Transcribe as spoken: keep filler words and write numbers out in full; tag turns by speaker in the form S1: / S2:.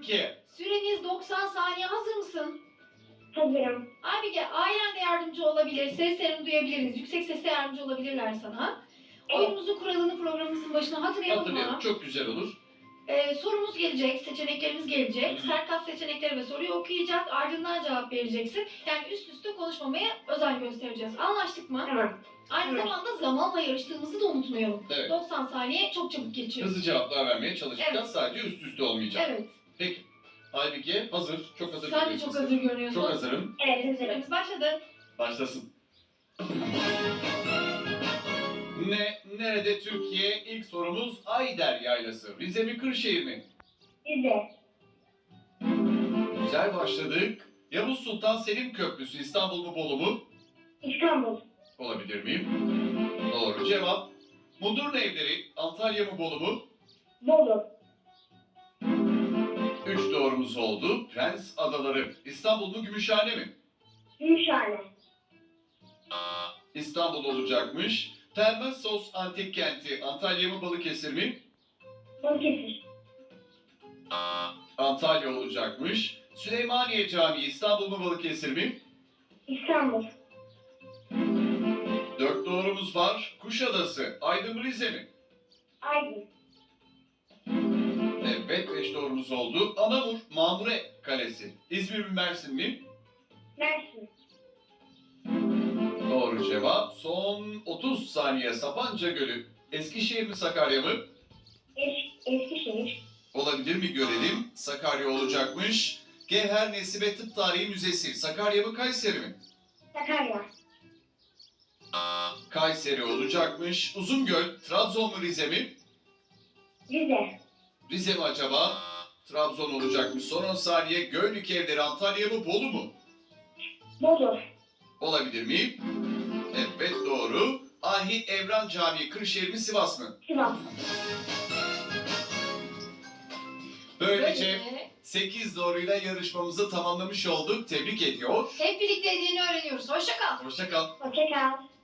S1: Türkiye.
S2: Süreniz doksan saniye. Hazır mısın?
S3: Hazırım.
S2: Aybige, ailen de yardımcı olabilir. Seslerini duyabiliriz. Yüksek sesle yardımcı olabilirler sana.
S3: Evet.
S2: Oyunumuzun kuralını programımızın başına hatırlayalım
S1: Hatırlayalım.
S2: mı?
S1: Çok güzel olur.
S2: Ee, sorumuz gelecek, seçeneklerimiz gelecek.
S1: Hı hı.
S2: Serkat seçenekleri ve soruyu okuyacak, ardından cevap vereceksin. Yani üst üste konuşmamaya özen göstereceğiz. Anlaştık mı?
S3: Tamam.
S2: Aynı
S3: Evet.
S2: zamanda zamanla yarıştığımızı da unutmayalım.
S1: Evet.
S2: doksan saniye çok çabuk geçiyor.
S1: Hızlı cevaplar vermeye çalışacağız.
S2: Evet.
S1: Sadece üst üste olmayacak.
S2: Evet.
S1: Peki. Aybike hazır. Çok hazır.
S2: Sen de
S1: görüyorsun.
S2: çok hazır görünüyorsun.
S1: Çok hazırım.
S3: Evet, hazırım.
S2: Süremiz başladı.
S1: Başlasın. Ne, nerede Türkiye? İlk sorumuz Ayder Yaylası. Rize mi Kırşehir mi?
S3: Rize.
S1: Güzel başladık. Yavuz Sultan Selim Köprüsü İstanbul mu Bolu mu?
S3: İstanbul.
S1: Olabilir miyim? Doğru cevap. Mudurnu Evleri Antalya mı Bolu mu?
S3: Bolu.
S1: Üç doğrumuz oldu. Prens Adaları İstanbul mu Gümüşhane mi?
S3: Gümüşhane.
S1: İstanbul olacakmış. Termessos Antik Kenti Antalya mı Balıkesir mi?
S3: Balıkesir.
S1: Antalya olacakmış. Süleymaniye Camii İstanbul mu Balıkesir mi?
S3: İstanbul.
S1: Dört doğrumuz var. Kuşadası Aydın mı Rize mi?
S3: Aydın.
S1: Evet, beş doğrumuz oldu. Anamur Mamure Kalesi İzmir mi Mersin mi?
S3: Mersin.
S1: Doğru cevap. Son otuz saniye. Sapanca Gölü Eskişehir mi Sakarya mı?
S3: Es Eskişehir.
S1: Olabilir mi görelim. Sakarya olacakmış. Gevher Nesibe Tıp Tarihi Müzesi Sakarya mı Kayseri mi?
S3: Sakarya.
S1: Kayseri olacakmış. Uzungöl Trabzon mu Rize mi?
S3: Rize.
S1: Rize mi acaba? Trabzon olacakmış. Son on saniye. Göynük Evleri Antalya mı Bolu mu?
S3: Bolu.
S1: Olabilir mi? Evet doğru. Ahi Evran Camii Kırşehir mi Sivas mı?
S3: Sivas.
S1: Böylece
S2: Böylece
S1: sekiz doğruyla yarışmamızı tamamlamış olduk. Tebrik ediyor.
S2: hep birlikte dediğini öğreniyoruz. Hoşça kal.
S1: Hoşça kal.
S3: Hoşça kal.